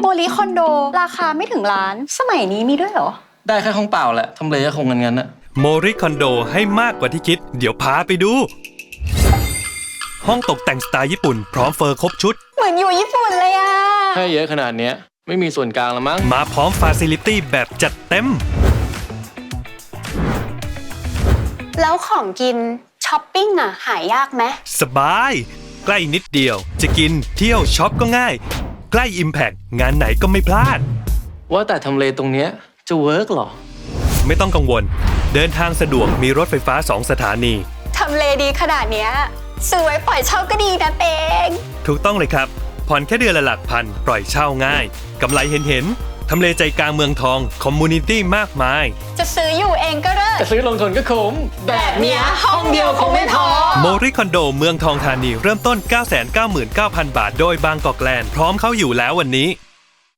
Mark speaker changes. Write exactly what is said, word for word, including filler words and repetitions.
Speaker 1: โมลิคอนโดราคาไม่ถึงล้านสมัยนี้มีด้วยเหรอ
Speaker 2: ได้แค่ห้องเปล่าแหละทำเลก็คงงั้นๆนะ
Speaker 3: โมริคอนโดให้มากกว่าที่คิดเดี๋ยวพาไปดูห้องตกแต่งสไตล์ญี่ปุ่นพร้อมเฟอร์ครบชุด
Speaker 1: เหมือนอยู่ญี่ปุ่นเลยอะ
Speaker 2: ให้เยอะขนาดเนี้ยไม่มีส่วนกลางละมั้ง
Speaker 3: มาพร้อมฟาซิลิตี้แบบจัดเต็ม
Speaker 1: แล้วของกินช้อปปิ้งอะหายยากไหม
Speaker 3: สบายใกล้นิดเดียวจะกินเที่ยวช็อปก็ง่ายใกล้ Impact งานไหนก็ไม่พลาด
Speaker 2: ว่าแต่ทำเลตรงเนี้ยจะเวิร์กหรอ
Speaker 3: ไม่ต้องกังวลเดินทางสะดวกมีรถไฟฟ้าสองสถานี
Speaker 1: ทำเลดีขนาดเนี้ยซื้อไว้ปล่อยเช่าก็ดีนะเตง
Speaker 3: ถูกต้องเลยครับผ่อนแค่เดือนละหลักพันปล่อยเช่าง่ายกำไรเห็นเห็นทำเลใจกลางเมืองทองคอมมูนิตี้มากมาย
Speaker 1: จะซื้ออยู่เองก็เลิศ
Speaker 2: จะซื้อลงทุนก็คุ้มแบบเนี้ยห้องเดียวคงไม่พอ
Speaker 3: โมริคอนโดเมืองทองธานีเริ่มต้น เก้าแสนเก้าหมื่นเก้าพัน บาทโดยบางกอกแลนด์พร้อมเข้าอยู่แล้ววันนี้